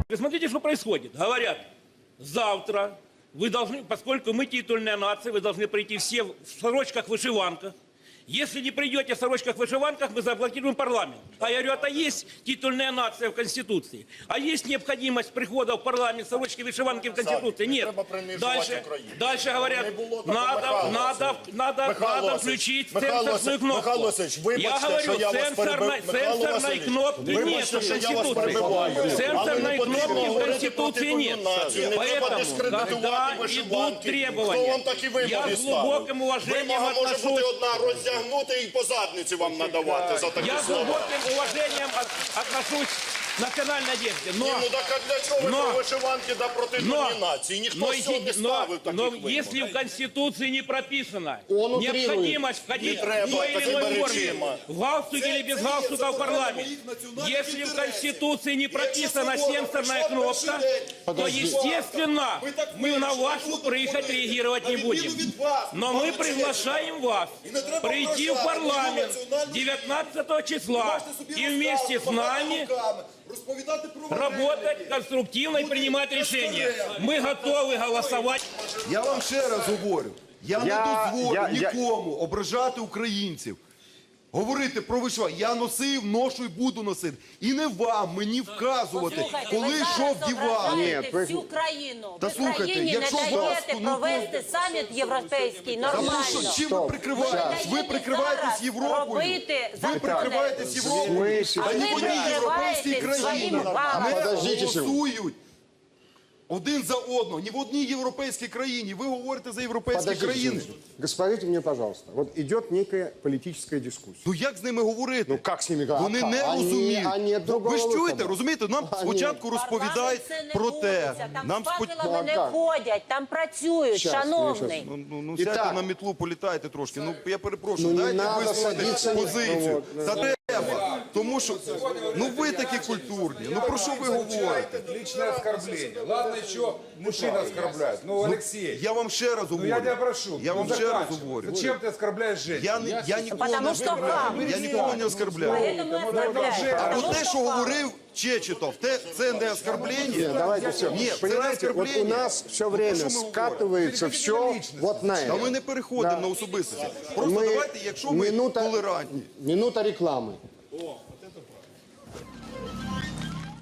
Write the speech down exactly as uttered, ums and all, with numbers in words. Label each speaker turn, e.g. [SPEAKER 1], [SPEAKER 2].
[SPEAKER 1] Смотрите, что происходит. Говорят, завтра вы должны, поскольку мы титульная нация, вы должны прийти все в сорочках-вышиванках. Если не придете в сорочках-вышиванках, мы заблокируем парламент. А я говорю, это есть титульная нация в Конституции. А есть необходимость прихода в парламент сорочки-вышиванки в Конституции? Нет. Дальше, дальше говорят, надо, надо, надо, надо включить сенсорную кнопку. Я говорю, сенсорной, сенсорной кнопки нет в Конституции. Сенсорной кнопки в Конституции нет. Поэтому, когда идут требования, я с глубоким уважением отношусь...
[SPEAKER 2] Гнути і по задниці вам надавати за такі
[SPEAKER 1] Я
[SPEAKER 2] слова.
[SPEAKER 1] Я с глубоким уважением от, отношусь к национальной одежде. Но,
[SPEAKER 2] Ні, ну так а для чого ви
[SPEAKER 1] но,
[SPEAKER 2] про вишиванки да проти нації? Ніхто
[SPEAKER 1] но,
[SPEAKER 2] цього не ставив таких
[SPEAKER 1] но
[SPEAKER 2] вимог.
[SPEAKER 1] если в Конституции не прописано
[SPEAKER 3] Он
[SPEAKER 1] необходимость входить в той или иной форме, в галстуке или без галстука в парламент, если в Конституции не прописана сенсорная кнопка, то, естественно, мы на вашу прихоть реагировать не будем. Но мы приглашаем вас прийти в парламент девятнадцатого числа и вместе с нами работать конструктивно и принимать решения. Мы готовы голосовать.
[SPEAKER 4] Я вам ще раз говорю, я,
[SPEAKER 3] Я-
[SPEAKER 4] не дозволю
[SPEAKER 3] я- я-
[SPEAKER 4] нікому ображати українців. Говорити про вишиванку. Я носив, ношу і буду носити. І не вам мені вказувати,
[SPEAKER 5] Послухайте,
[SPEAKER 4] коли
[SPEAKER 5] ви
[SPEAKER 4] що
[SPEAKER 5] зараз
[SPEAKER 4] вдівати.
[SPEAKER 3] Ні,
[SPEAKER 5] ображаєте
[SPEAKER 4] ви-
[SPEAKER 5] всю країну.
[SPEAKER 4] Та
[SPEAKER 5] Ви
[SPEAKER 4] слухайте,
[SPEAKER 5] країні
[SPEAKER 4] якщо
[SPEAKER 5] не
[SPEAKER 4] вас,
[SPEAKER 5] даєте
[SPEAKER 4] ну,
[SPEAKER 5] провести саміт європейський
[SPEAKER 4] Та ну
[SPEAKER 5] нормально.
[SPEAKER 4] що, чим ви
[SPEAKER 3] Стоп.
[SPEAKER 4] прикриваєтесь? Ви
[SPEAKER 5] Даєте
[SPEAKER 4] прикриваєтесь
[SPEAKER 5] зараз
[SPEAKER 4] Європою.
[SPEAKER 5] робити
[SPEAKER 4] Ви
[SPEAKER 5] закони.
[SPEAKER 4] прикриваєтесь Європою.
[SPEAKER 3] смислі?
[SPEAKER 4] Та
[SPEAKER 5] А
[SPEAKER 4] ні
[SPEAKER 5] ви
[SPEAKER 4] в одній європейській
[SPEAKER 5] прикриваєтесь
[SPEAKER 4] країні
[SPEAKER 5] своїм валом.
[SPEAKER 4] не
[SPEAKER 3] Подождіть секунду.
[SPEAKER 4] голосують один за одного. Ні в одній європейській країні. Ви говорите за європейські
[SPEAKER 3] Подождите,
[SPEAKER 4] країни.
[SPEAKER 3] Господите мне, пожалуйста, вот идет некая политическая дискуссия.
[SPEAKER 4] Ну як з ними говорити?
[SPEAKER 3] Ну, як з ними говорити?
[SPEAKER 4] Вони не
[SPEAKER 3] Вони-
[SPEAKER 4] розуміють.
[SPEAKER 3] вони другого
[SPEAKER 4] Ви ж чуєте,
[SPEAKER 3] виходу.
[SPEAKER 4] розумієте? Нам
[SPEAKER 3] Вони-
[SPEAKER 4] спочатку розповідають
[SPEAKER 5] Парламент це не
[SPEAKER 4] про те.
[SPEAKER 5] вулиця, Там
[SPEAKER 4] Нам
[SPEAKER 5] з
[SPEAKER 4] спо-
[SPEAKER 5] факелами не
[SPEAKER 3] Так.
[SPEAKER 5] ходять, там працюють,
[SPEAKER 3] Щас,
[SPEAKER 5] шановний.
[SPEAKER 3] щас.
[SPEAKER 4] Ну, ну, ну
[SPEAKER 3] І
[SPEAKER 4] сядьте
[SPEAKER 3] так.
[SPEAKER 4] на мітлу, політайте трошки. Ну, я перепрошую,
[SPEAKER 3] Ну, не
[SPEAKER 4] дайте
[SPEAKER 3] надо
[SPEAKER 4] висловити
[SPEAKER 3] садитися, ні.
[SPEAKER 4] позицію.
[SPEAKER 3] Ну,
[SPEAKER 4] Та треба. Тому що, ну ви такі культурні. Ну про що ви говорите?
[SPEAKER 6] Личное оскорбление. Ладно, еще мужчина оскорбляет. Ну, Алексей,
[SPEAKER 4] Я вам ще раз
[SPEAKER 6] ну я тебя
[SPEAKER 4] говорю.
[SPEAKER 6] прошу.
[SPEAKER 4] Я
[SPEAKER 6] ну,
[SPEAKER 4] вам ще раз
[SPEAKER 6] заканчивай.
[SPEAKER 4] говорю.
[SPEAKER 6] Зачем ты оскорбляешь женщин?
[SPEAKER 4] Я, не, я нікого
[SPEAKER 5] Потому
[SPEAKER 4] не
[SPEAKER 5] що
[SPEAKER 4] оскорбляю.
[SPEAKER 5] хам.
[SPEAKER 4] Я нікого не оскорбляю.
[SPEAKER 5] Поэтому и оскорбляют.
[SPEAKER 4] А
[SPEAKER 5] Потому
[SPEAKER 4] от те,
[SPEAKER 5] что
[SPEAKER 4] що
[SPEAKER 5] хам.
[SPEAKER 4] говорив Чечетов, те, це не оскорблення?
[SPEAKER 3] Давайте все.
[SPEAKER 4] Ні, це не
[SPEAKER 3] Понимаете, вот у
[SPEAKER 4] оскорблення.
[SPEAKER 3] нас все
[SPEAKER 4] Ну,
[SPEAKER 3] время
[SPEAKER 4] про що ми говоримо?
[SPEAKER 3] скатывается все вот на
[SPEAKER 4] Та
[SPEAKER 3] это.
[SPEAKER 4] ми не переходимо
[SPEAKER 3] Да.
[SPEAKER 4] на особистості. Просто
[SPEAKER 3] Ми-
[SPEAKER 4] давайте, якщо ми
[SPEAKER 3] минута-
[SPEAKER 4] толерантні.
[SPEAKER 3] Минута рекламы.